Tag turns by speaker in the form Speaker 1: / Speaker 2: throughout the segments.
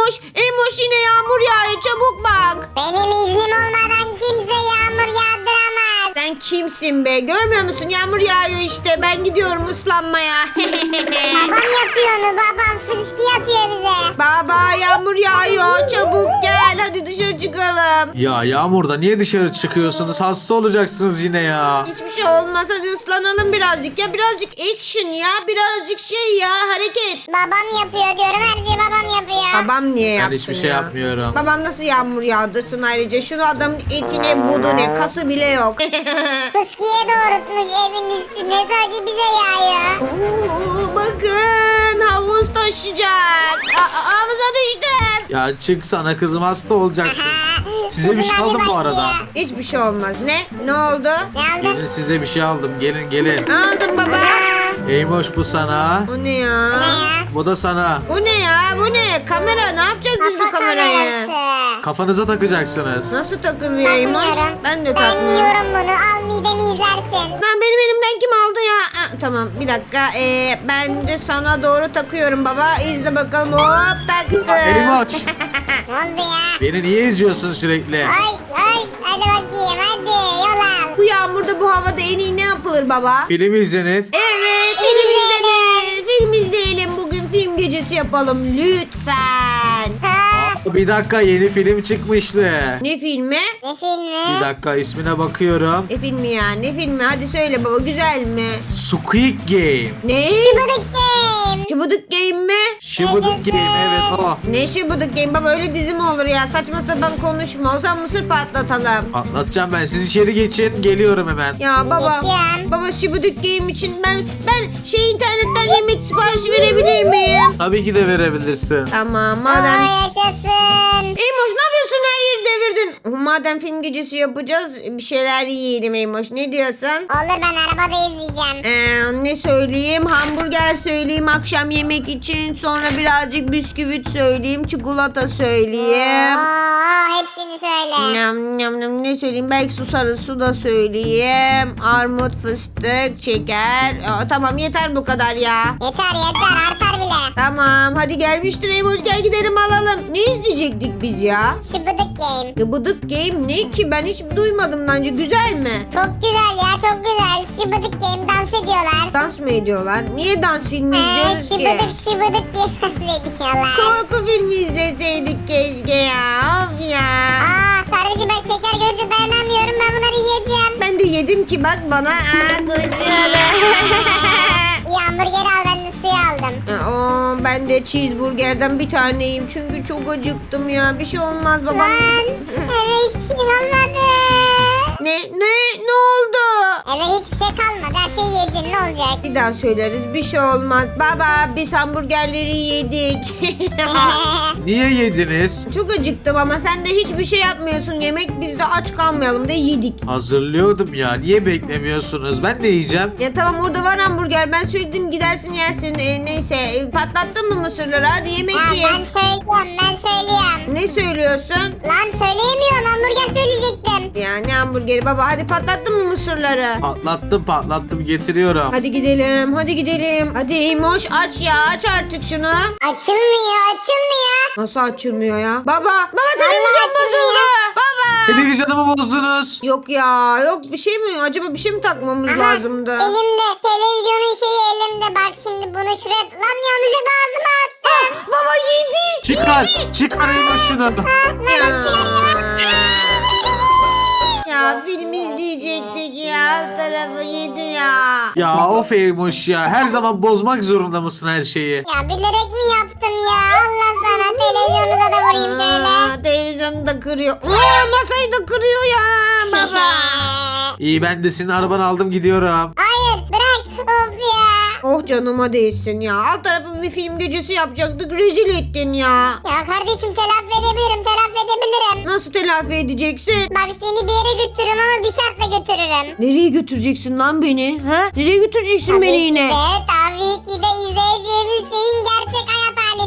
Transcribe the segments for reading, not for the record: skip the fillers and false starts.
Speaker 1: Eymoş yine yağmur yağıyor. Çabuk bak.
Speaker 2: Benim iznim olmadan kimse yağmur yağdıramaz.
Speaker 1: Sen kimsin be? Görmüyor musun? Yağmur yağıyor işte. Ben gidiyorum ıslanmaya.
Speaker 2: Babam yapıyor onu, babam fıski atıyor bize.
Speaker 1: Baba yağmur yağıyor. Çabuk gel. Hadi dışarı çıkalım.
Speaker 3: Ya Yağmur'da niye dışarı çıkıyorsunuz? Hasta olacaksınız yine ya.
Speaker 1: Hiçbir şey olmaz. Hadi ıslanalım birazcık. Ya birazcık action ya. Birazcık şey ya. Hareket.
Speaker 2: Babam yapıyor diyorum, her şeyi babam yapıyor.
Speaker 1: Babam niye yapsın
Speaker 3: Ben hiçbir şey
Speaker 1: ya?
Speaker 3: yapmıyorum.
Speaker 1: Babam nasıl yağmur yağdırsın ayrıca? Şunu adamın etine budu ne? Kası bile yok.
Speaker 2: Fıskiye doğrultmuş evin üstüne, sadece bize yağıyor.
Speaker 1: Oo, bakın havuz taşıyacak. Havuza düştüm.
Speaker 3: Ya çık sana kızım, hasta olacaksın. Size bir şey
Speaker 2: Kızım,
Speaker 3: aldım
Speaker 2: hadi
Speaker 3: bu arada.
Speaker 2: başlıyor.
Speaker 1: Hiçbir şey olmaz. Ne oldu?
Speaker 2: Ne aldın?
Speaker 3: Gelin, size bir şey aldım. Gelin.
Speaker 1: Aldım baba.
Speaker 3: Eymoş bu sana.
Speaker 1: Bu ne ya?
Speaker 2: Ne ya?
Speaker 3: Bu da sana.
Speaker 1: Bu ne ya? Bu ne? Kamera. Ne yapacağız biz bu
Speaker 2: Kafa
Speaker 1: kamerayı?
Speaker 2: kamerası.
Speaker 3: Kafanıza takacaksınız.
Speaker 1: Nasıl takılıyor Eymoş?
Speaker 2: Takmıyorum.
Speaker 1: Ben de
Speaker 2: Ben
Speaker 1: takmıyorum.
Speaker 2: yiyorum bunu, al midemi izlersin.
Speaker 1: Lan benim elimden kim aldı ya? Tamam bir dakika. Ben de sana doğru takıyorum baba. İzle bakalım. Hop taktım.
Speaker 3: Eymoş.
Speaker 2: Ne oldu ya?
Speaker 3: Beni niye izliyorsun sürekli?
Speaker 2: Hadi bakayım, hadi yol al.
Speaker 1: Bu yağmurda bu havada en iyi ne yapılır baba?
Speaker 3: Film izlenir.
Speaker 1: Evet film izleyelim. Film izleyelim. Bugün film gecesi yapalım lütfen.
Speaker 2: Ha,
Speaker 3: Bir dakika, yeni film çıkmıştı.
Speaker 1: Ne filmi?
Speaker 2: ne filmi?
Speaker 3: Bir dakika, ismine bakıyorum.
Speaker 1: Ne filmi ya? Ne filmi? Hadi söyle baba güzel mi?
Speaker 3: Squid Game.
Speaker 1: Ne?
Speaker 2: Şıbıdık Game.
Speaker 1: Şıbıdık Game mi?
Speaker 3: Şıbıdık Game, evet o.
Speaker 1: Ne Şıbıdık Game baba öyle dizi mi olur ya? Saçma sapan konuşma. O zaman mısır patlatalım.
Speaker 3: Anlatacağım ben. Siz içeri geçin. Geliyorum hemen.
Speaker 1: Ya baba.
Speaker 2: Geçiyorum.
Speaker 1: Baba Şıbıdık Game için ben internetten yemek siparişi verebilir miyim?
Speaker 3: Tabii ki de verebilirsin.
Speaker 1: Tamam
Speaker 2: Aa,
Speaker 1: madem.
Speaker 2: yaşasın.
Speaker 1: Eymoş ne yapıyorsun, her yeri devirdin. Madem film gecesi yapacağız bir şeyler yiyelim Eymoş, ne diyorsun?
Speaker 2: Olur, ben arabada izleyeceğim.
Speaker 1: Ne söyleyeyim? Hamburger söyleyeyim akşam yemek için. Sonra birazcık bisküvit söyleyeyim. Çikolata söyleyeyim.
Speaker 2: Hepsini söyle.
Speaker 1: Nyam, nyam, nyam. Ne söyleyeyim? Belki su da söyleyeyim. Armut, fıstık, şeker. Tamam yeter bu kadar ya.
Speaker 2: Yeter, artar bile.
Speaker 1: Tamam hadi gelmiştir Eymoş, gel gidelim alalım. Ne izleyecektik biz ya?
Speaker 2: Şıbıdık Game.
Speaker 1: Gıbıdık Game ne ki? Ben hiç duymadım daha önce. Güzel mi?
Speaker 2: Çok güzel ya, çok güzel. Şıbıdık Game, dans ediyorlar.
Speaker 1: Dans mı ediyorlar? Niye dans filmi izliyoruz ki?
Speaker 2: Şıbıdık diye dans ediyorlar.
Speaker 1: Korku filmi izleseydik keşke ya. Of ya.
Speaker 2: Kardeşim, ben şeker görünce dayanamıyorum, ben bunları yiyeceğim.
Speaker 1: Ben de yedim ki bak bana.
Speaker 2: Hamburger al, ben de suyu aldım.
Speaker 1: Ben de cheeseburgerden bir tane yiyeyim. Çünkü çok acıktım ya. Bir şey olmaz babam.
Speaker 2: Lan eve hiçbir şey kalmadı.
Speaker 1: Ne oldu?
Speaker 2: Eve hiçbir şey kalmadı, her şeyi yedin, ne olacak?
Speaker 1: Bir daha söyleriz. Bir şey olmaz. Baba biz hamburgerleri yedik.
Speaker 3: Niye yediniz?
Speaker 1: Çok acıktım ama sen de hiçbir şey yapmıyorsun. Yemek biz de aç kalmayalım da yedik.
Speaker 3: Hazırlıyordum ya. Niye beklemiyorsunuz? Ben de yiyeceğim.
Speaker 1: Ya tamam orada var hamburger. Ben söyledim gidersin yersin. Neyse patlattın mı mısırları? Hadi yemek ye.
Speaker 2: Ben söylüyorum.
Speaker 1: Ne söylüyorsun?
Speaker 2: Lan söyleyemiyorum, hamburger söyleyecektim.
Speaker 1: Ya ne hamburgeri baba? Hadi patlattın mı mısırları?
Speaker 3: Patlattım, getiriyorum.
Speaker 1: Hadi gidelim. Hadi Eymoş aç ya. Aç artık şunu.
Speaker 2: Açılmıyor.
Speaker 1: Nasıl açılmıyor ya? Baba televizyon
Speaker 2: Vallahi açılmıyor.
Speaker 1: bozuldu. Baba.
Speaker 3: Televizyonumu bozdunuz.
Speaker 1: Yok ya. Yok bir şey mi? Acaba bir şey mi takmamız lazımdı?
Speaker 2: Elimde, televizyonun şeyi elimde, bak şimdi bunu şuraya, lan yanlışlıkla ağzıma attım.
Speaker 1: Baba yedi.
Speaker 3: Çıkar Eymoş şunu.
Speaker 1: Ya film izleyecektik ya. Alt tarafı yedi ya.
Speaker 3: Ya of Eymoş ya. Her zaman bozmak zorunda mısın her şeyi?
Speaker 2: Ya bilerek mi yaptım ya? Allah sana, televizyonunuza da vurayım şöyle.
Speaker 1: Televizyonu da kırıyor. Masayı da kırıyor ya baba.
Speaker 3: İyi, ben de senin arabanı aldım, gidiyorum.
Speaker 2: Hayır, bırak, of ya.
Speaker 1: Oh canıma değsin ya. Alt tarafı bir film gecesi yapacaktık. Rezil ettin ya.
Speaker 2: Ya kardeşim, telafi edebilirim.
Speaker 1: Nasıl telafi edeceksin?
Speaker 2: Bak seni bir yere götürürüm ama bir şartla götürürüm.
Speaker 1: Nereye götüreceksin lan beni? Ha? Nereye götüreceksin beni yine?
Speaker 2: Tabii ki de izleyeceğimiz şeyin gerçek hayat haline.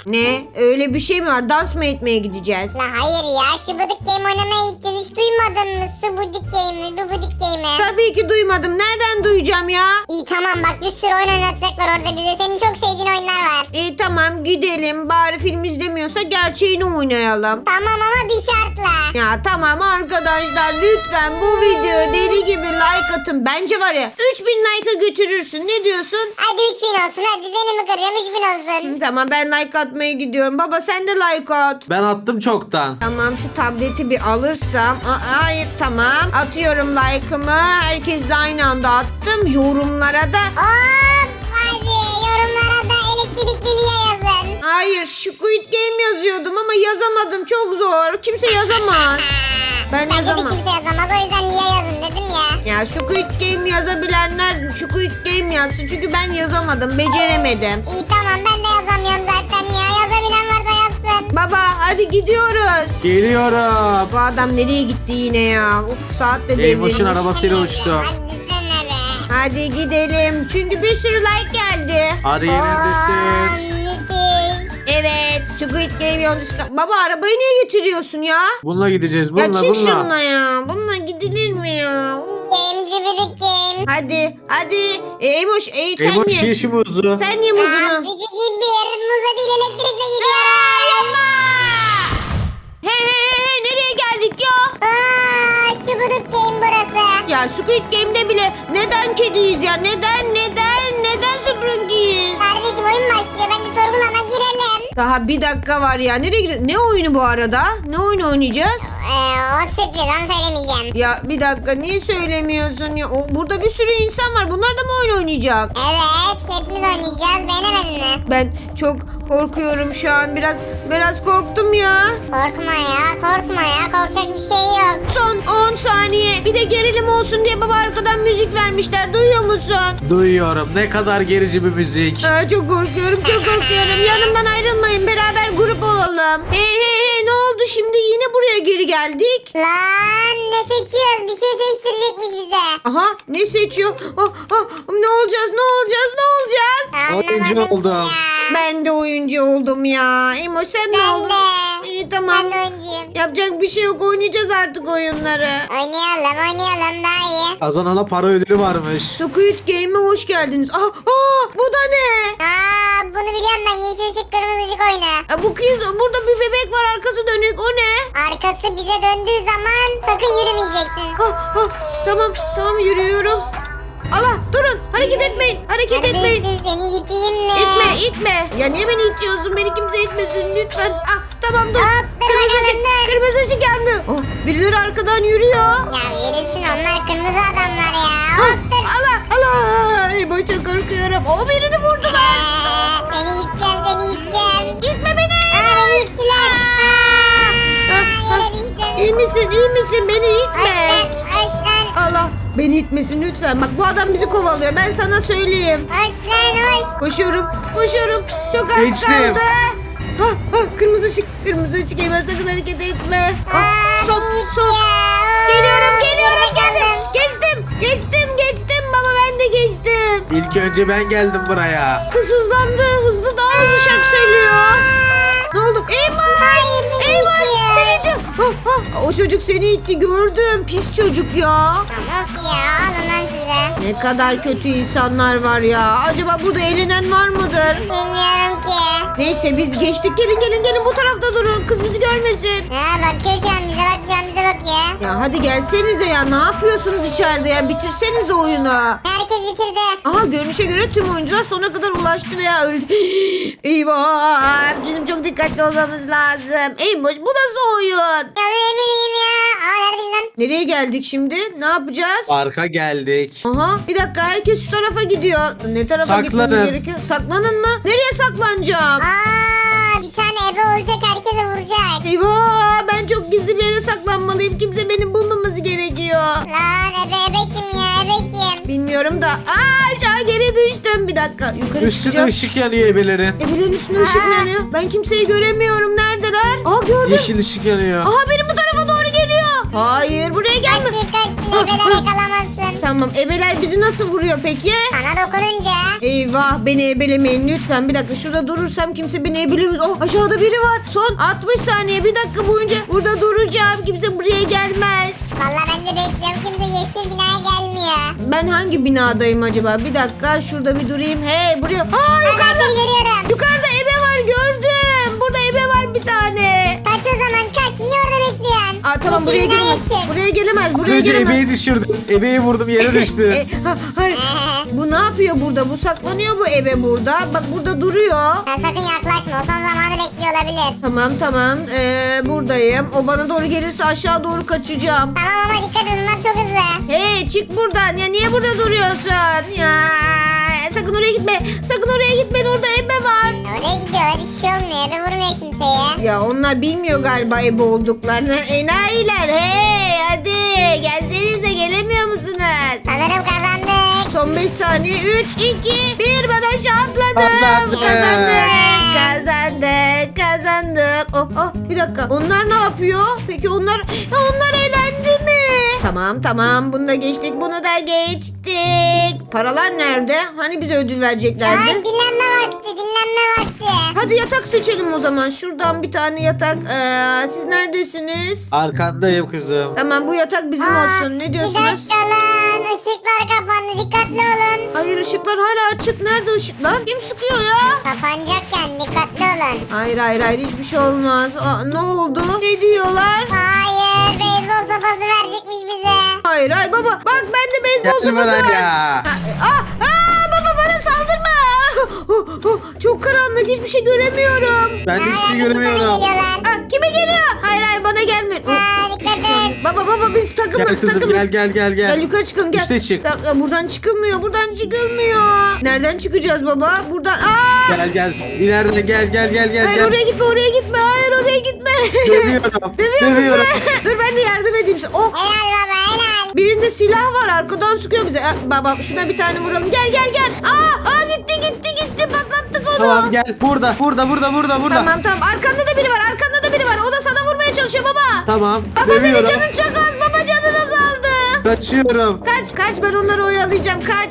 Speaker 1: Ne? Öyle bir şey mi var? Dans mı etmeye gideceğiz?
Speaker 2: La hayır ya, şu Bıdık Game oynamaya gideceğiz. Hiç duymadın mı? Su Bıdık Game'i, bu Bıdık Game'i.
Speaker 1: Tabii ki duymadım. Nereden duyacağım ya?
Speaker 2: İyi tamam, bak bir sürü oyun oynatacaklar orada bize. Senin çok sevdiğin oyunlar var.
Speaker 1: İyi tamam gidelim. Bari film izlemiyorsa gerçeğini oynayalım.
Speaker 2: Tamam ama bir şartla.
Speaker 1: Ya tamam arkadaşlar lütfen bu videoya deli gibi like atın. Bence var ya 3000 like'a götürürsün. Ne diyorsun?
Speaker 2: Hadi 3000 olsun, hadi seni mi kıracağım, 3000 olsun.
Speaker 1: Tamam ben like atmaya gidiyorum. Baba sen de like at.
Speaker 3: Ben attım çoktan.
Speaker 1: Tamam şu tableti bir alırsam. Hayır tamam. Atıyorum like'ımı. Herkesle aynı anda attım. Yorumlara da.
Speaker 2: Hop hadi yorumlara da elektrikli Lia yazın.
Speaker 1: Hayır Squid Game yazıyordum ama yazamadım. Çok zor. Kimse yazamaz. Ben
Speaker 2: Bence de
Speaker 1: yazamam.
Speaker 2: kimse yazamaz, o yüzden Lia yazın dedim ya.
Speaker 1: Ya Squid Game yazabilenler Squid Game yazsın. Çünkü ben yazamadım. Beceremedim.
Speaker 2: İyi tamam, ben de yazamıyorum zaten ya. Yazabilen varsa yazsın.
Speaker 1: Baba hadi gidiyoruz.
Speaker 3: Geliyorum.
Speaker 1: Bu adam nereye gitti yine ya? Uf saat de
Speaker 3: Eymoş'un
Speaker 1: devrilmiş.
Speaker 3: arabasıyla uçtu.
Speaker 2: Hadi dene be.
Speaker 1: Hadi gidelim. Çünkü bir sürü like geldi.
Speaker 3: Hadi yenildik.
Speaker 2: Müthiş.
Speaker 1: Evet. Squid Game yolcusu. Baba arabayı niye getiriyorsun ya?
Speaker 3: Bununla gideceğiz.
Speaker 1: Ya
Speaker 3: Bununla
Speaker 1: çık
Speaker 3: bununla.
Speaker 1: şununla ya. Bununla gidilir mi ya? Uf.
Speaker 2: Game cübürük game.
Speaker 1: Hadi. Eymoş sen
Speaker 3: Eymoş
Speaker 1: ye.
Speaker 3: ye şu muzu.
Speaker 1: Sen ye
Speaker 2: Aa,
Speaker 1: muzunu.
Speaker 2: küçük bir muza değil elektrikle
Speaker 1: Yapma.
Speaker 2: gidiyoruz.
Speaker 1: Hey nereye geldik ya?
Speaker 2: Aa, şu Bıdık Game burası.
Speaker 1: Ya Squid Game'de bile neden kediyiz ya? Neden süpürgeyiz?
Speaker 2: Kardeşim oyun başlıyor. Bence sorgulama girelim.
Speaker 1: Daha bir dakika var ya. Nereye gidiyorsun? Ne oyunu bu arada? Ne oyunu oynayacağız?
Speaker 2: O sürpriz, onu söylemeyeceğim.
Speaker 1: Ya bir dakika niye söylemiyorsun ya? Burada bir sürü insan var. Bunlar da mı oyun oynayacak?
Speaker 2: Evet, hepimiz oynayacağız. Beğenemedin mi?
Speaker 1: Ben çok korkuyorum şu an. Biraz korktum ya.
Speaker 2: Korkma ya. Korkacak bir şey yok.
Speaker 1: Son 10 saniye. Bir de gerilim olsun diye baba arkadan müzik vermişler. Duyuyor musun?
Speaker 3: Duyuyorum. Ne kadar gerici bir müzik.
Speaker 1: Çok korkuyorum. Yanımdan ayrılmayın. Beraber grup olalım. Hey ne oldu şimdi? Yine buraya geri geldik.
Speaker 2: Lan ne seçiyoruz? Bir şey seçtirecekmiş bize.
Speaker 1: Aha ne seçiyor? Ne olacağız?
Speaker 3: Oyuncu
Speaker 2: Anlamadım
Speaker 3: oldum.
Speaker 2: ya.
Speaker 1: Ben de oyuncu oldum ya. Emo sen ne
Speaker 2: Ben
Speaker 1: oldun?
Speaker 2: de.
Speaker 1: İyi tamam.
Speaker 2: Ben de oyuncuyum.
Speaker 1: Yapacak bir şey yok. Oynayacağız artık oyunları.
Speaker 2: Oynayalım daha iyi.
Speaker 3: Kazanana para ödülü varmış.
Speaker 1: Squid Game'e hoş geldiniz. Bu da ne?
Speaker 2: Bunu biliyorum ben, yeşil ışık kırmızı ışık oyunu.
Speaker 1: Bu kız burada bir bebek var arkası dönük. O ne?
Speaker 2: Arkası bize döndüğü zaman sakın yürümeyeceksin.
Speaker 1: Tamam yürüyorum. Allah durun hareket etmeyin.
Speaker 2: Kardeşim seni iteyim mi?
Speaker 1: İtme. Ya niye beni itiyorsun? Beni kimse itmesin lütfen. Tamam dur.
Speaker 2: Hop, dur bakalım, dur.
Speaker 1: Kırmızı ışık yandı. Birileri arkadan yürüyor.
Speaker 2: Ya yürüsün, onlar kırmızı adamlar ya. Hop dur.
Speaker 1: Allah. Emo çok korkuyorum. Birini vurdular.
Speaker 2: Seni iteceğim.
Speaker 1: İtme beni.
Speaker 2: Beni ittiler. Yere düştüm.
Speaker 1: İyi misin? Beni itme.
Speaker 2: Hoş lan.
Speaker 1: Allah beni itmesin lütfen. Bak bu adam bizi kovalıyor. Ben sana söyleyeyim.
Speaker 2: Hoş.
Speaker 1: Koşuyorum. Çok az
Speaker 3: Geçtim.
Speaker 1: kaldı. Kırmızı ışık hemen sakın hareket etme. Son. Geliyorum. Geçtim. Baba ben de geçtim.
Speaker 3: İlk önce ben geldim buraya.
Speaker 1: Kız hızlandı. Daha hızlı şarkı söylüyor. Ne oldu?
Speaker 2: Hayır, beni itiyor.
Speaker 1: Seni itiyor. O çocuk seni itti gördüm. Pis çocuk ya.
Speaker 2: Of ya, alın lan size.
Speaker 1: Ne kadar kötü insanlar var ya. Acaba burada eğlenen var mıdır?
Speaker 2: Bilmiyorum ki.
Speaker 1: Neyse biz geçtik. Gelin bu tarafta durun. Kız bizi görmesin.
Speaker 2: Bakıyor şu an bize bakıyor.
Speaker 1: Ya hadi gelsenize ya. Ne yapıyorsunuz içeride ya? Bitirsenize oyunu.
Speaker 2: Herkes bitirdi.
Speaker 1: Aha görünüşe göre tüm oyuncular sona kadar ulaştı veya öldü. Eyvah. Bizim çok dikkatli olmamız lazım. Eymoş bu nasıl oyun?
Speaker 2: Ya ne bileyim ya. Neredeyiz lan?
Speaker 1: Nereye geldik şimdi? Ne yapacağız?
Speaker 3: Parka geldik.
Speaker 1: Aha bir dakika herkes şu tarafa gidiyor. Ne tarafa
Speaker 3: Saklanın.
Speaker 1: gitmemiz gerekiyor? Saklanın mı? Nereye saklanacağım?
Speaker 2: Bir tane ebe olacak, herkese vuracak.
Speaker 1: Eyvah ben çok gizli bir yere saklanmalıyım. Kimse beni bulmaması gerekiyor.
Speaker 2: Lan ebe kim ya, ebe kim?
Speaker 1: Bilmiyorum da. Aşağı geri düştüm. Bir dakika yukarı
Speaker 3: Üstünde
Speaker 1: çıkacağım.
Speaker 3: ışık yanıyor ebelerin.
Speaker 1: Evlerin üstünde ışık mı yanıyor? Ben kimseyi göremiyorum. Neredeler? Gördüm.
Speaker 3: Yeşil ışık yanıyor.
Speaker 1: Benim bu tarafa doğru geliyor. Hayır buraya gelme.
Speaker 2: Kaçın ebeler yakalamazsın.
Speaker 1: Tamam ebeler bizi nasıl vuruyor peki?
Speaker 2: Sana dokununca.
Speaker 1: Eyvah beni ebelemeyin lütfen. Bir dakika şurada durursam kimse beni ebelemez. Oh aşağıda biri var. Son 60 saniye bir dakika boyunca burada duracağım. Kimse buraya gelmez.
Speaker 2: Valla ben de bekliyorum. Kimse yeşil binaya gelmiyor.
Speaker 1: Ben hangi binadayım acaba? Bir dakika şurada bir durayım. Hey buraya. Aa
Speaker 2: Ben
Speaker 1: yukarıda.
Speaker 2: seni görüyorum.
Speaker 1: Yukarıda ebe var gördüm. Burada ebe var bir tane.
Speaker 2: Kaç o zaman kaç. Niye orada bekliyorsun?
Speaker 1: Aa tamam buraya
Speaker 2: Yeşil binaya
Speaker 1: gelemez.
Speaker 2: çık.
Speaker 1: Buraya gelemez.
Speaker 3: Az
Speaker 1: Buraya
Speaker 3: önce
Speaker 1: gelemez.
Speaker 3: ebeği düşürdüm. Ebeği vurdum yere düştü.
Speaker 1: Hayır. Bu ne yapıyor burada? Bu saklanıyor bu ebe burada. Bak burada duruyor.
Speaker 2: Sen sakın yaklaşma. O son zamanı bekliyor olabilir.
Speaker 1: Tamam. Buradayım. O bana doğru gelirse aşağı doğru kaçacağım.
Speaker 2: Tamam ama dikkat edin. Onlar çok hızlı.
Speaker 1: Hey çık buradan. Ya niye burada duruyorsun? Ya sakın oraya gitme. Sakın oraya gitme. Orada ebe var.
Speaker 2: Oraya gidiyorlar. Hiçbir şey olmuyor. Ebe vurmuyor kimseye.
Speaker 1: Ya onlar bilmiyor galiba ebe olduklarını. Enayiler. Hey hadi gelsenize gelemiyor musunuz?
Speaker 2: Sanırım kazandık.
Speaker 1: Son 5 saniye. 3, 2, 1. Ben aşağı atladım.
Speaker 3: Kazandık.
Speaker 1: Kazandık. Oh bir dakika. Onlar ne yapıyor? Peki onlar eğlendi mi? Tamam. Bunu da geçtik. Bunu da geçtik. Paralar nerede? Hani bize ödül vereceklerdi?
Speaker 2: Ay dinlenme vakti.
Speaker 1: Hadi yatak seçelim o zaman. Şuradan bir tane yatak. Siz neredesiniz?
Speaker 3: Arkandayım kızım.
Speaker 1: Tamam bu yatak bizim olsun. Ne
Speaker 2: Bir
Speaker 1: diyorsunuz?
Speaker 2: dakika lan. Işıklar kapandı. Dikkatli olun.
Speaker 1: Hayır ışıklar hala açık. Nerede ışıklar? Kim sıkıyor ya?
Speaker 2: Kapanacakken dikkatli olun.
Speaker 1: Hayır hiçbir şey olmaz. Ne oldu? Ne diyorlar?
Speaker 2: Hayır. Beyzbol sopası verecekmiş bize.
Speaker 1: Hayır baba. Bak bende beyzbol
Speaker 3: Gelme
Speaker 1: sopası
Speaker 3: lan
Speaker 1: var.
Speaker 3: ya.
Speaker 1: Baba bana saldırma. Çok karanlık hiçbir şey göremiyorum.
Speaker 3: Ben de hiçbir şey
Speaker 2: Yaklaşık sana
Speaker 3: göremiyorum.
Speaker 2: geliyorlar.
Speaker 1: Kime geliyor? Hayır bana gelme.
Speaker 2: Dikkat et.
Speaker 1: Baba biz takımız
Speaker 3: Gel kızım
Speaker 1: takımız.
Speaker 3: gel.
Speaker 1: Gel yukarı çıkalım gel.
Speaker 3: Üste çık.
Speaker 1: Buradan çıkılmıyor. Nereden çıkacağız baba? Buradan.
Speaker 3: Gel. İleriden gel.
Speaker 1: Hayır oraya gitme. Hayır oraya gitme.
Speaker 3: Dövüyorum.
Speaker 1: Dövüyor musun? Dur ben de yardım edeyim sana. Oh.
Speaker 2: Helal baba helal.
Speaker 1: Birinde silah var arkadan sıkıyor bize. Baba şuna bir tane vuralım. Gel. Gitti patlattık onu.
Speaker 3: Tamam gel. Burada.
Speaker 1: Tamam. Arkanda da biri var. O da sana vurmaya çalışıyor baba.
Speaker 3: Tamam.
Speaker 1: Baba senin
Speaker 3: Dövüyorum.
Speaker 1: canın çok az. Baba canın azaldı.
Speaker 3: Kaçıyorum.
Speaker 1: Kaç ben onları oyalayacağım kaç.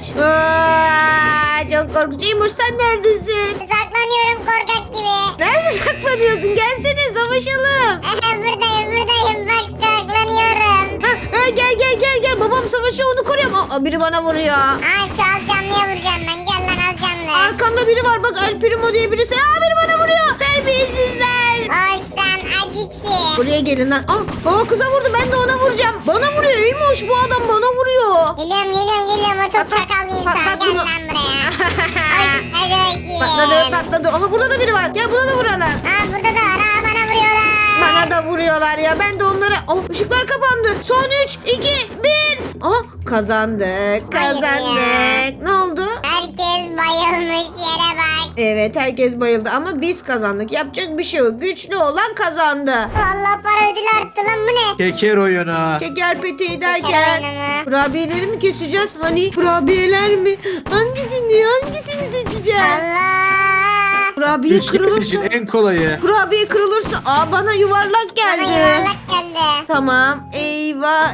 Speaker 1: Çok korkunç. İmuş sen neredesin?
Speaker 2: Saklanıyorum korkak gibi.
Speaker 1: Nerede saklanıyorsun? Gelsene savaşalım.
Speaker 2: Buradayım bak saklanıyorum.
Speaker 1: Gel. Babam savaşıyor onu koruyorum. Biri bana vuruyor.
Speaker 2: Şu az canlıya vuracağım ben. Gel lan az canlı.
Speaker 1: Arkamda biri var bak El Primo diye birisi. Biri bana vuruyor. Terbiyesizler.
Speaker 2: Hoştan aciksi.
Speaker 1: Buraya gelin lan. Kıza vurdu ben de ona vuracağım. Bana vuruyor İyiymiş bu adam bana vuruyor.
Speaker 2: Geliyorum. O çok çakal bir insan.
Speaker 1: patlat
Speaker 2: Gel
Speaker 1: bunu.
Speaker 2: lan buraya. Hoş hadi bakayım.
Speaker 1: Patladı. Burada da biri var. Gel buna da vuralım.
Speaker 2: Burada da var. Bana vuruyorlar.
Speaker 1: Bana da vuruyorlar ya. Ben de onlara... ışıklar kapandı. Son 3, 2, 1. Kazandık. Ne oldu?
Speaker 2: Herkes bayılmış yere bak.
Speaker 1: Evet herkes bayıldı ama biz kazandık. Yapacak bir şey yok. Güçlü olan kazandı.
Speaker 2: Vallahi para ödülü arttı lan bu ne?
Speaker 3: Keker oyunu.
Speaker 1: Şeker peteği
Speaker 2: Şeker
Speaker 1: derken
Speaker 2: oyunu mu?
Speaker 1: kurabiyeleri mi keseceğiz? Hani kurabiyeler mi? Hangisini seçeceğiz?
Speaker 2: Allah.
Speaker 1: Kurabiye
Speaker 3: Üç kez
Speaker 1: kırılırsa...
Speaker 3: için en kolayı.
Speaker 1: Kurabiye kırılırsa... bana yuvarlak geldi.
Speaker 2: Bana yuvarlak geldi.
Speaker 1: Tamam. Eyvah.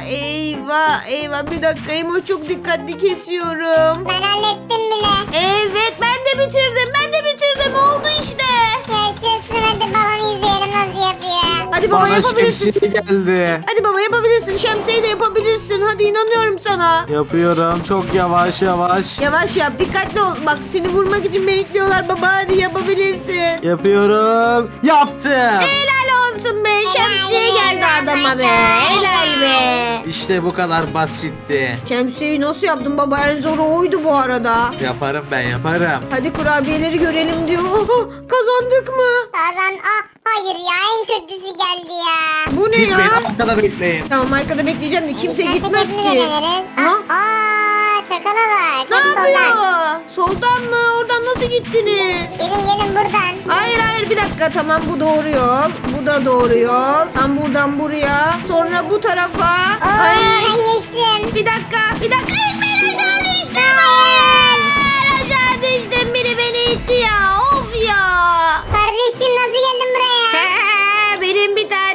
Speaker 1: Bir dakika Emo çok dikkatli kesiyorum.
Speaker 2: Ben hallettim bile.
Speaker 1: Evet ben de bitirdim. Oldu işte.
Speaker 2: Yaşasın hadi babamı izleyelim nasıl yapıyor.
Speaker 1: Hadi baba
Speaker 3: Bana
Speaker 1: yapabilirsin.
Speaker 3: şemsiye geldi.
Speaker 1: Hadi baba yapabilirsin. Şemsiyeyi de yapabilirsin. Hadi inanıyorum sana.
Speaker 3: Yapıyorum çok yavaş.
Speaker 1: Yavaş yap. Dikkatli ol. Bak seni vurmak için bekliyorlar baba. Hadi yapabilirsin.
Speaker 3: Yapıyorum. Yaptım.
Speaker 1: Helal olsun be. Şemsiye geldi adama be. Helal be.
Speaker 3: İşte bu kadar basitti.
Speaker 1: Şemsiyeyi nasıl yaptın baba? En zoru oydu bu arada.
Speaker 3: Yaparım ben yaparım.
Speaker 1: Hadi kurabiyeleri görelim diyor. Kazandık mı?
Speaker 2: Hayır ya en kötüsü geldi ya.
Speaker 1: Bu ne
Speaker 3: Gitmeyin
Speaker 1: ya?
Speaker 3: arkada bekleyin.
Speaker 1: Tamam arkada bekleyeceğim de kimse
Speaker 2: Gitmezse
Speaker 1: gitmez
Speaker 2: hepimiz
Speaker 1: ki.
Speaker 2: deneriz.
Speaker 1: Ha?
Speaker 2: Çakala bak.
Speaker 1: Ne
Speaker 2: Hadi
Speaker 1: yapıyor?
Speaker 2: soldan.
Speaker 1: Soldan mı? Oradan nasıl gittiniz?
Speaker 2: Gelin buradan.
Speaker 1: Hayır bir dakika tamam bu doğru yol. Bu da doğru yol. Tam buradan buraya. Sonra bu tarafa. Ay.
Speaker 2: Ben geçtim.
Speaker 1: Bir dakika. Ben aşağı düştüm. Hayır. Aşağı düştüm. Biri beni itti ya. Of ya.
Speaker 2: Kardeşim nasıl geldin buraya?
Speaker 1: Benim bir tane canlı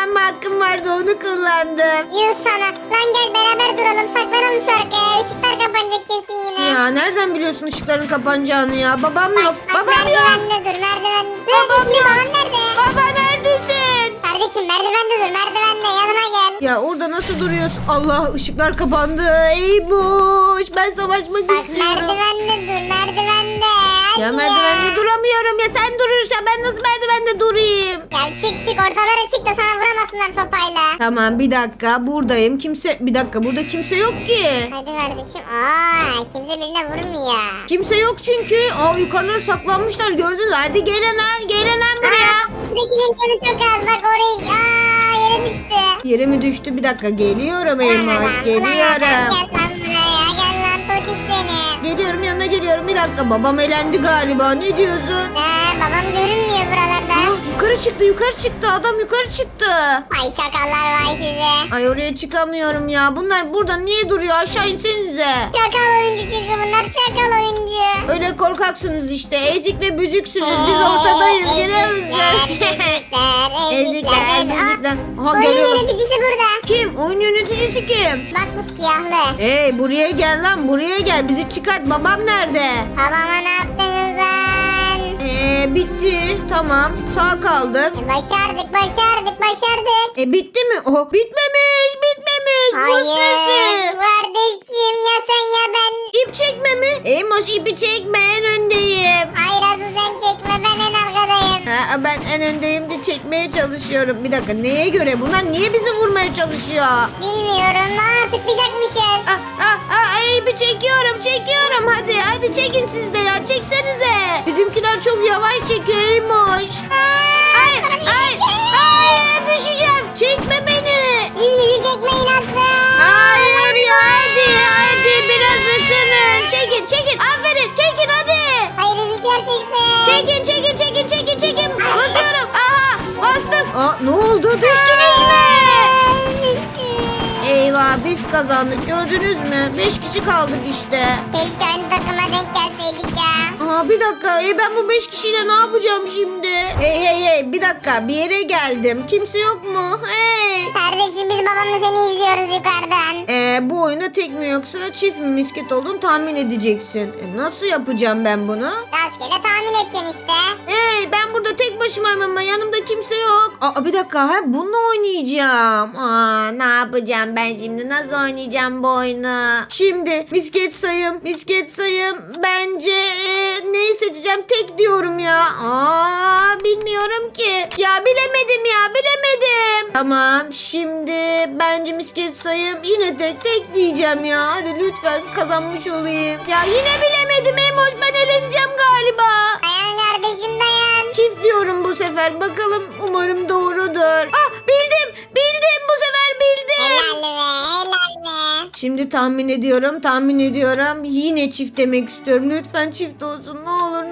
Speaker 1: kullanma hakkım vardı, onu kullandım.
Speaker 2: Yuh sana. Lan gel beraber duralım. Saklanalım şu arkaya. Işıklar kapanacak kesin yine.
Speaker 1: Ya nereden biliyorsun ışıkların kapanacağını ya? Babam yok.
Speaker 2: Bak
Speaker 1: Babam yok.
Speaker 2: merdivende dur merdivende.
Speaker 1: Babam yok.
Speaker 2: Babam nerede?
Speaker 1: Baba neredesin?
Speaker 2: Kardeşim merdivende dur merdivende yanıma gel.
Speaker 1: Ya orada nasıl duruyorsun? Allah, ışıklar kapandı. Ey boş. Ben savaşmak
Speaker 2: Bak
Speaker 1: istiyorum.
Speaker 2: merdivende dur merdivende. Hadi
Speaker 1: Ya merdivende duramıyorum ya, sen durursan ben nasıl merdivende durayım?
Speaker 2: Ya çık ortalara çık da sana vuramasınlar sopayla.
Speaker 1: Tamam, bir dakika buradayım. Bir dakika, burada kimse yok ki.
Speaker 2: Hadi kardeşim. Aa kimse birine vurmuyor.
Speaker 1: Kimse yok çünkü. Yukarılara saklanmışlar, gördünüz mü? Hadi gelin lan buraya.
Speaker 2: Buradakinin canı çok az bak oraya. Yere düştü.
Speaker 1: Yere mi düştü? Bir dakika, geliyorum Elmas,
Speaker 2: Gel
Speaker 1: geliyorum.
Speaker 2: lan buraya gel lan totik seni.
Speaker 1: Geliyorum, yanına geliyorum. Bir dakika, babam elendi galiba. Ne diyorsun?
Speaker 2: Babam görünmüyor buralarda.
Speaker 1: Yukarı çıktı. Adam yukarı çıktı.
Speaker 2: Ay çakallar vay size.
Speaker 1: Ay, oraya çıkamıyorum ya. Bunlar burada niye duruyor? Aşağı insenize.
Speaker 2: Çakal oyuncu çünkü bunlar çakal oyuncu.
Speaker 1: Öyle korkaksınız işte. Ezik ve büzüksünüz. Biz ortadayız. Görüyor musun? Ezikler, büzükler. Aha,
Speaker 2: Oyun
Speaker 1: geliyorum.
Speaker 2: yöneticisi burada.
Speaker 1: Kim? Oyun yöneticisi kim?
Speaker 2: Bak bu siyahlı.
Speaker 1: Hey, buraya gel lan, buraya gel. Bizi çıkart. Babam nerede?
Speaker 2: Babama ne yaptınız lan?
Speaker 1: Bitti. Tamam. Sağ kaldık.
Speaker 2: Başardık.
Speaker 1: Bitti mi? Bitmemiş. Boş
Speaker 2: Hayır kardeşim ya sen ya ben.
Speaker 1: İp çekme mi? Eymoş, ipi çekme, en öndeyim.
Speaker 2: Hayır asıl sen çekme ben en arkadayım.
Speaker 1: Ben en öndeyim de çekmeye çalışıyorum. Bir dakika, neye göre? Bunlar niye bizi vurmaya çalışıyor?
Speaker 2: Bilmiyorum. Tıklayacakmışız.
Speaker 1: İpi çekiyorum. Hadi çekin siz de ya. Çeksenize. Bizimkiler çok yavaş çekiyor Eymoş. Hayır, düşeceğim. Çekme beni.
Speaker 2: Bizi çekmeyin asıl.
Speaker 1: Hayır ya, hadi biraz ıkının. Çekin. Aferin, çekin hadi.
Speaker 2: Hayır bizimkiler çeksin.
Speaker 1: Çekin. Basıyorum. Aha, bastım. Ne oldu? Düştünüz mü?
Speaker 2: Düştü.
Speaker 1: Eyvah, biz kazandık, gördünüz mü? 5 kişi kaldık işte.
Speaker 2: Keşke aynı takıma denk gelseydik ya.
Speaker 1: Bir dakika, ben bu 5 kişiyle ne yapacağım şimdi? Hey, bir dakika, bir yere geldim. Kimse yok mu? Hey.
Speaker 2: Kardeşim biz babamla seni izliyoruz yukarıdan.
Speaker 1: Bu oyunda tek mi yoksa çift mi misket olduğunu tahmin edeceksin. Nasıl yapacağım ben bunu?
Speaker 2: Rastgele tahmin edeceksin işte.
Speaker 1: Hey, ben burada tek başımayım ama yanımda kimse yok. Bir dakika, bununla oynayacağım. Ne yapacağım ben şimdi? Nasıl oynayacağım bu oyunu? Şimdi misket sayım. Bence neyi seçeceğim? Tek diyorum ya. Bilmiyorum ki. Ya bilemedim. Tamam, şimdi bence misket sayım yine tek diyeceğim ya. Hadi lütfen kazanmış olayım. Ya yine bilemedim Emoş, ben eleneceğim galiba.
Speaker 2: Dayan kardeşim dayan.
Speaker 1: Çift diyorum bu sefer. Bakalım, umarım doğrudur. Bildim. Bu sefer bildim.
Speaker 2: Helal be.
Speaker 1: Şimdi tahmin ediyorum. Yine çift demek istiyorum. Lütfen çift olsun. Ne olur.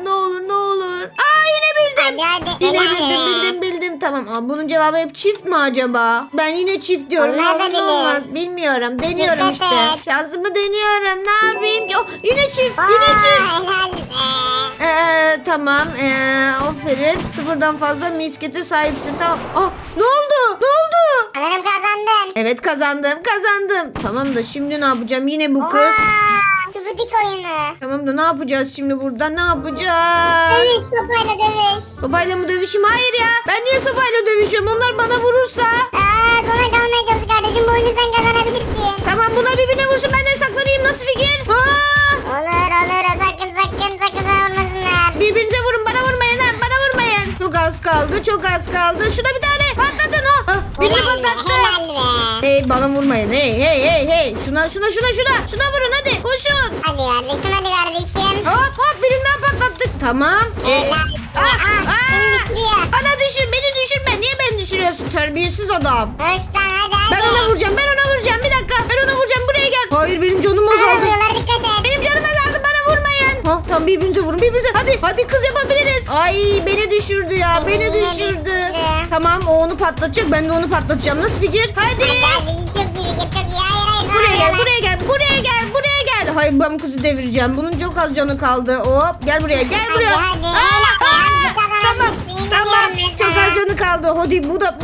Speaker 1: Yine bildim.
Speaker 2: Hadi.
Speaker 1: Yine
Speaker 2: helal be.
Speaker 1: bildim. Tamam. bunun cevabı hep çift mi acaba? Ben yine çift diyorum.
Speaker 2: Olmaz da
Speaker 1: Ne olmaz. Bilmiyorum. Deniyorum
Speaker 2: Dikkat
Speaker 1: işte.
Speaker 2: et.
Speaker 1: Şansımı deniyorum. Ne yapayım ki? Yine çift.
Speaker 2: Helal be.
Speaker 1: Tamam. Aferin. Sıfırdan fazla miskete sahipsin. Tamam. Ne oldu?
Speaker 2: Sanırım kazandın.
Speaker 1: Evet, kazandım. Tamam da şimdi ne yapacağım? Yine bu kız.
Speaker 2: Çubudik oyunu.
Speaker 1: Tamam da ne yapacağız şimdi burada? Ne yapacağız?
Speaker 2: Dövüş sopayla dövüş.
Speaker 1: Sopayla mı dövüşeyim? Hayır ya. Ben niye sopayla dövüşüyorum? Onlar bana vurursa.
Speaker 2: Sona kalmaya çalış kardeşim. Bu oyunu sen kazanabilirsin.
Speaker 1: Tamam, bunlar birbirine vursun. Ben de saklanayım. Nasıl fikir?
Speaker 2: Olur. Sakın olmasınlar.
Speaker 1: Birbirinize vurun. Bana vurmayın lan. Çok az kaldı. Şuna bir tane patlatın. Birini patlattı.
Speaker 2: Helal be.
Speaker 1: Hey, bana vurmayın. Hey. Şuna vurun hadi. Koşun.
Speaker 2: Hadi kardeşim.
Speaker 1: Hop, birinden patlattık. Tamam.
Speaker 2: Helal. Seni bitiriyor.
Speaker 1: Beni düşürme. Niye beni düşürüyorsun? Terbiyesiz adam.
Speaker 2: Hoş lan hadi.
Speaker 1: Ben ona vuracağım. Bir dakika. Ben ona vuracağım. Buraya gel. Hayır, benim canım azaldı.
Speaker 2: Vuruyorlar dikkat et.
Speaker 1: Benim canım azaldı. Bana vurmayın. Tamam, birbirinize vurun. Hadi kız, yapabiliriz. Ay, beni düşürdü ya.
Speaker 2: Beni düşürdü.
Speaker 1: Tamam, o onu patlatacak. Ben de onu patlatacağım. Nasıl fikir? Hadi.
Speaker 2: Çok iyi. Hayır.
Speaker 1: Buraya gel. Hayır, ben bu kızı devireceğim. Bunun çok az canı kaldı. Hop, gel buraya.
Speaker 2: Hadi.
Speaker 1: Tamam. Çok az canı kaldı. Hadi, bu da gitti.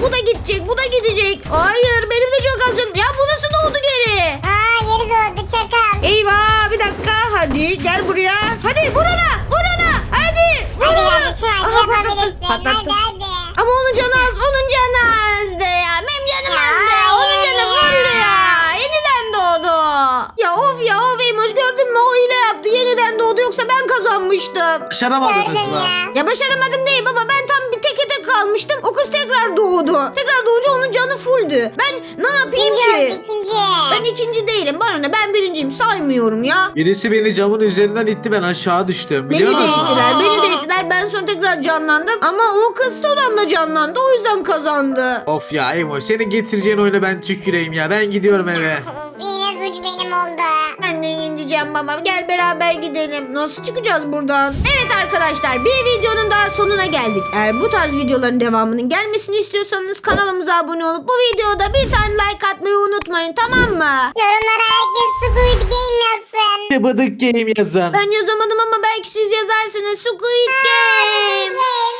Speaker 1: gidecek. Bu da gidecek. Hayır benim de çok az canım. Ya bu nasıl doğdu geri?
Speaker 2: Aa yeri doğdu çakal.
Speaker 1: Eyvah bir dakika. Hadi gel buraya. Hadi vur ona. Vur ona. Hadi. Vur
Speaker 2: Hadi
Speaker 1: ona.
Speaker 2: kardeşim hadi
Speaker 1: Aha,
Speaker 2: yapabilirsin.
Speaker 1: patlattı.
Speaker 2: Hadi.
Speaker 1: Ama onun canı az. Onun canı azdı ya. Benim canım
Speaker 2: Ya,
Speaker 1: azdı. Onun
Speaker 2: hayır
Speaker 1: canı
Speaker 2: ya.
Speaker 1: fulldu ya. Yeniden doğdu. Ya of Eymoş gördün mü? O hile yaptı. Yeniden doğdu. Yoksa ben kazanmıştım.
Speaker 3: Başaramadınız
Speaker 2: Gördüm
Speaker 3: mı?
Speaker 2: ya.
Speaker 1: Ya başaramadım değil baba. Ben tam bir teke tek kalmıştım. O kız tekrar doğdu. Tekrar doğunca onun canı fulldü. Ben ne yapayım
Speaker 2: İkinci
Speaker 1: ki?
Speaker 2: oldu ikinci.
Speaker 1: Ben ikinci değilim. Bana ne? Ben birinciyim. Saymıyorum ya.
Speaker 3: Birisi beni camın üzerinden itti, ben aşağı düştüm.
Speaker 1: Beni
Speaker 3: Biliyor
Speaker 1: de
Speaker 3: musun?
Speaker 1: ittiler. Beni de ittiler. Ben sonra tekrar canlandım. Ama o kız olan da canlandı. O yüzden kazandı.
Speaker 3: Of ya Emo, senin getireceğin oyuna ben tüküreyim ya. Ben gidiyorum eve.
Speaker 2: Yine suç benim oldu.
Speaker 1: Ben de ineceğim baba. Gel beraber gidelim. Nasıl çıkacağız buradan? Evet arkadaşlar, bir videonun daha sonuna geldik. Eğer bu tarz videoların devamının gelmesini istiyorsanız kanalımıza abone olup bu videoda bir tane like atmayı unutmayın, tamam mı?
Speaker 2: Yorumlara herkes Squid Game yazsın.
Speaker 3: Bıdık game yazın.
Speaker 1: Ben yazamadım ama belki siz yazarsınız. Squid Game.
Speaker 2: Game.